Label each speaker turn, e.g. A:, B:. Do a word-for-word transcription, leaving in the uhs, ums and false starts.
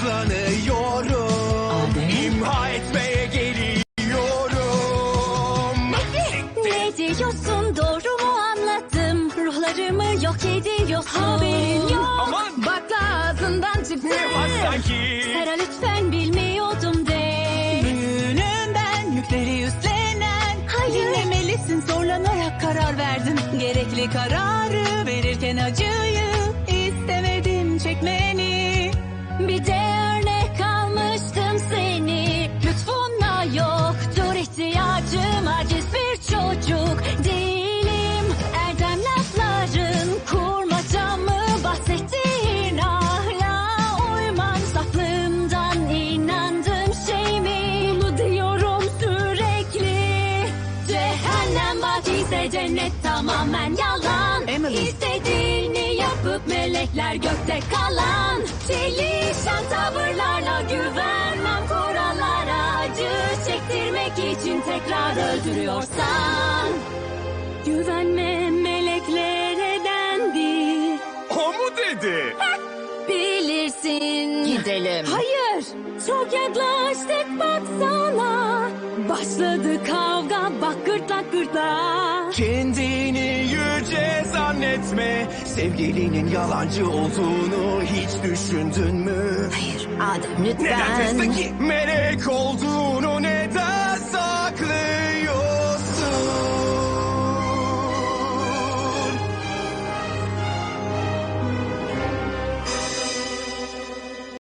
A: hızlanıyorum. İmha etmeye geliyorum.
B: Ne diyorsun, doğru mu anladım? Ruhlarımı yok ediyorsun. Haberin yok.
A: Aman.
B: Bakla ağzından çıktı.
A: Ne var sanki?
B: Sera lütfen bilmiyordum de.
C: Büyüğünüm ben, yükleri üstlenen.
B: Hayır.
C: Dinlemelisin, zorlanarak karar verdim. Gerekli kararı verirken acıyı istemedim çekmeni.
B: Bir de örnek almıştım seni. Lütfunla yoktur ihtiyacım. Aciz bir çocuk değilim. Erdem lafların kurmaca mı? Bahsettiğin hala uymam. Saflığımdan inandığım şey mi? Bunu diyorum sürekli. Cehennem vadiyse cennet tamamen yalan.
C: Emily.
B: İstediğini yapıp melekler gökte kalan. Çelişen tavırlarla güvenmem kurallara. Acı çektirmek için tekrar öldürüyorsan. Güvenme meleklere dendi.
A: O mu dedi?
B: Bilirsin.
C: Gidelim.
B: Hayır. Çok yaklaştık baksana. Başladı kavga, bak gırtlak gırtlağa.
A: Kendini yüce zannetme. Sevgilinin yalancı olduğunu hiç düşündün mü?
C: Hayır Adem
A: Neden
C: lütfen.
A: testteki melek oldun?